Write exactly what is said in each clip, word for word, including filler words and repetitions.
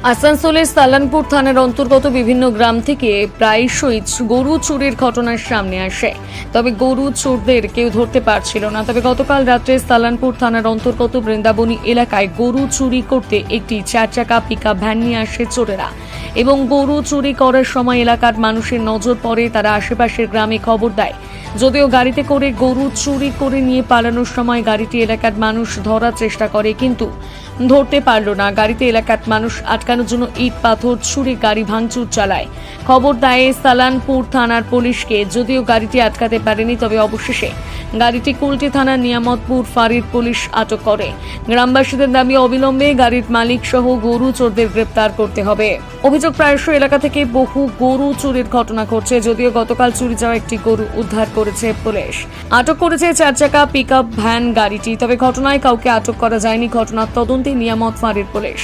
আসানসোলের সালানপুর থানার অন্তর্গত বিভিন্ন গ্রাম থেকে প্রায়শই গরু চুরির ঘটনার সামনে আসে। তবে গরু চোরদের কেউ ধরতে পারছিল না। তবে গতকাল রাত্রে সালানপুর থানার অন্তর্গত বৃন্দাবনী এলাকায় গরু চুরি করতে একটি চার চাকা পিকআপ ভ্যান নিয়ে আসে চোরেরা এবং গরু চুরি করার সময় এলাকার মানুষের নজর পড়ে। তারা আশেপাশের গ্রামে খবর দেয়। যদিও গাড়িতে করে গরু চুরি করে নিয়ে পালানোর সময় গাড়িটি এলাকার মানুষ ধরার চেষ্টা করে, কিন্তু ধরতে পারল না। গাড়িতে এলাকার মানুষ আটকানোর জন্য ইট পাথর ছুঁড়ে গাড়ি ভাঙচুর চালায়। খবর দেয় সালানপুর থানার পুলিশকে। যদিও গাড়িটি আটকাতে পারেনি, তবে অবশেষে গাড়িটি কুলটি থানার নিয়ামতপুর ফাঁড়ির পুলিশ আটক করে। গ্রামবাসীদের দাবি অবিলম্বে গাড়ির মালিক সহ গরু চোরদের গ্রেপ্তার করতে হবে। অভিযোগ, প্রায়শই এলাকা থেকে বহু গরু চুরির ঘটনা ঘটছে। যদিও গতকাল চুরি যাওয়া একটি গরু উদ্ধার করেছে পুলিশ। আটক করেছে চার চাকা পিকআপ ভ্যান গাড়িটি। তবে ঘটনায় কাউকে আটক করা যায়নি। ঘটনার তদন্তে নিয়ামত ফাঁড়ির পুলিশ।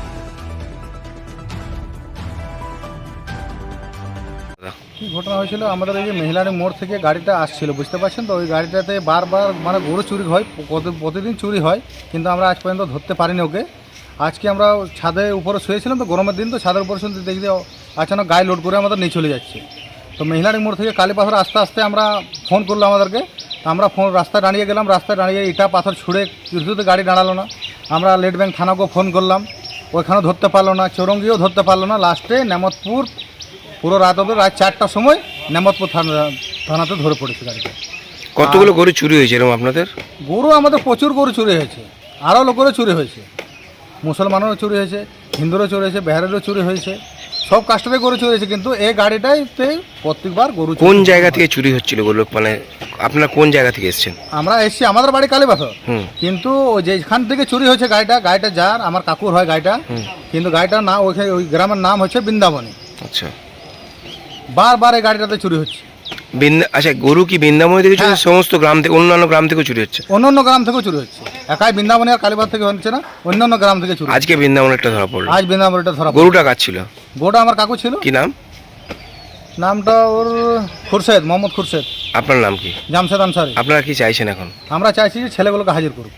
কি ঘটনা হয়েছিল, আমাদের এই যে মেহিলারি মোড় থেকে গাড়িটা আসছিল, বুঝতে পারছেন তো, ওই গাড়িটাতে বারবার মানে গরু চুরি হয়, প্রতিদিন চুরি হয়, কিন্তু আমরা আজ পর্যন্ত ধরতে পারিনি ওকে। আজকে আমরা ছাদে উপরে শুয়েছিলাম, তো গরমের দিন, তো ছাদের উপরে শুনতে দেখি যে আচানক গায়ে লোড করে আমাদের নিয়ে চলে যাচ্ছে। তো মেহিলারি মোড় থেকে কালী পাথর আস্তে আস্তে আমরা ফোন করলো আমাদেরকে। আমরা ফোন রাস্তায় দাঁড়িয়ে গেলাম, রাস্তায় দাঁড়িয়ে ইটা পাথর ছুঁড়ে কিছুতে গাড়ি দাঁড়ালো না। আমরা লেট ব্যাংক থানাকেও ফোন করলাম, ওইখানেও ধরতে পারলো না, চৌরঙ্গিও ধরতে পারলো না। লাস্টে নেমতপুর পুরো রাত অবধি, রাত চারটার সময় নেমতপুর থানা থানাতে ধরে পড়েছে গাড়িটা। কতগুলো গরু চুরি হয়েছে এরকম আপনাদের? গরু আমাদের প্রচুর গরু চুরি হয়েছে, আরও লোকেরও চুরি হয়েছে, মুসলমানেরও চুরি হয়েছে, হিন্দুরও চুরি হয়েছে, বিহারেরও চুরি হয়েছে, সব কাস্টমে গরু চুরি হয়েছে। কিন্তু এই গাড়িটাইতে প্রত্যেকবার গরু। কোন জায়গা থেকে চুরি হচ্ছিল গরু, মানে আপনারা কোন জায়গা থেকে এসেছেন? আমরা এসছি, আমাদের বাড়ি কালীপাথর, কিন্তু যেখান থেকে চুরি হয়েছে গাড়িটা, গাড়িটা যার আমার কাকুর হয় গাড়িটা, কিন্তু গাড়িটার নাম ওইখানে ওই গ্রামের নাম হচ্ছে বৃন্দাবনী। আচ্ছা, বারবার এই গাড়িটাতে চুরি হচ্ছে। আচ্ছা, গরু কি বৃন্দাবনী থেকে চুরি, সমস্ত গ্রাম থেকে, অন্যান্য গ্রাম থেকেও চুরি হচ্ছে? অন্যান্য গ্রাম থেকেও চুরি হচ্ছে, একাই বৃন্দাবনী আর কালীবাদ থেকে হচ্ছে না, অন্যান্য গ্রাম থেকে চুরি। আজকে বৃন্দাবনেরটা ধরা পড়লো? আজ বৃন্দাবনীটা ধরা। গরুটা কার ছিল? গরুটা আমার কাকু ছিল। কি নাম? নামটা ওর খুরশেদ, মোহাম্মদ খুরশেদ। আপনার নাম কি? জামশেদ আনসারি। আপনারা কি চাইছেন এখন? আমরা চাইছি যে ছেলেগুলোকে হাজির করুক,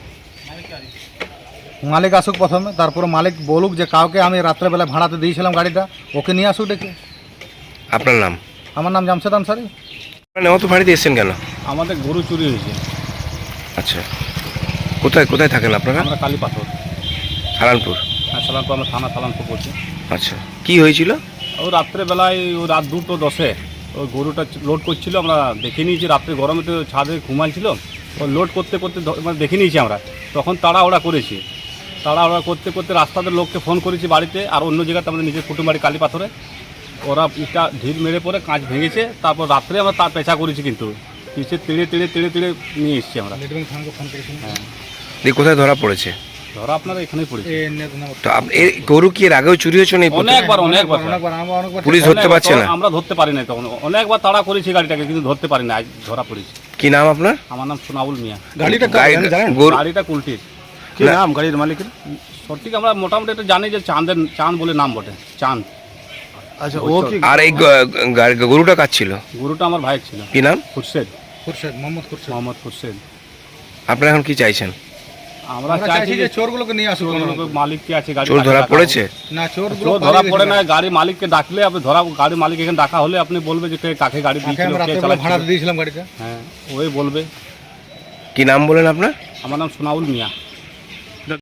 মালিক আসুক প্রথমে, তারপরে মালিক বলুক যে কাউকে আমি রাত্রেবেলা ভাড়াতে দিয়েছিলাম গাড়িটা, ওকে নিয়ে আসুক ডেকে। আপনার নাম? আমার নাম জামশেদ আনসারি। নেওয়া তো ভাড়িতে এসছেন কেন? আমাদের গরু চুরি হয়েছে। আচ্ছা, কোথায় কোথায় থাকেন আপনারা? আমরা কালীপাথর, সালানপুর। হ্যাঁ সালানপুর, আমরা থানা সালানপুর বলছি। আচ্ছা, কি হয়েছিল? ও রাত্রেবেলায় ও রাত দুটো দশে ওই গরুটা লোড করছিল, আমরা দেখে নিয়েছি। রাত্রে গরমে তো ছাদে ঘুমাইছিল, ও লোড করতে করতে মানে দেখে নিয়েছি আমরা। তখন তাড়াহুড়া করেছি, তাড়াহুড়া করতে করতে রাস্তাতে লোককে ফোন করেছি বাড়িতে, আর অন্য জায়গাতে আমাদের নিজের কুটুম বাড়ি কালীপাথরে। ওরা ইটা ঢিল মেরে পরে কাঁচ ভেঙেছে। তারপর রাত্রে আমরা তার পেঁচা করেছি, কিন্তু পিছিয়ে তেড়ে তেড়ে তেড়ে তেড়ে নিয়ে এসেছি আমরা। হ্যাঁ, দিয়ে কোথায় ধরা পড়েছে? ধরা আপনারা এখানেই পড়েছে। তো এই গরু কি এর আগেও চুরি হয়েছে? অনেকবার অনেকবার পুলিশ ধরতে পারছে না? আমরা ধরতে পারি না, তখন অনেকবার তাড়া করেছি গাড়িটাকে, কিন্তু ধরতে পারি না। আজ ধরা পড়েছি। কি নাম আপনার? আমার নাম সোনাউল মিয়া। গাড়িটা গাড়িটা কুলটির। কি নাম গাড়ির মালিকের? সঠিক আমরা মোটামুটি এটা জানি যে চাঁদের, চাঁদ বলে নাম বটে, চাঁদ। আচ্ছা, ও কি? আর এই গরুটা কার ছিল? গরুটা আমার ভাইয়ের ছিল। কি নাম? খুরশেদ। খুরশেদ, মোহাম্মদ খুরশেদ। মোহাম্মদ খুরশেদ। আপনারা এখন কি চাইছেন? আমরা চাইছি যে চোরগুলোকে নিয়ে আসুক। মালিক কি আছে গাড়ি? চোর ধরা পড়েছে না, চোরগুলো ধরা পড়ে না। গাড়ি মালিককে ডাকলে আপনি ধরা, গাড়ি মালিক এখানে ডাকা হলে আপনি বলবে যে কাকে গাড়ি দিয়েছিল, কে চালাচ্ছিল, ভাড়া দিয়েছিলাম গাড়িটা। হ্যাঁ, ওই বলবে। কি নাম বলেন আপনার? আমার নাম সোনাউল মিয়া।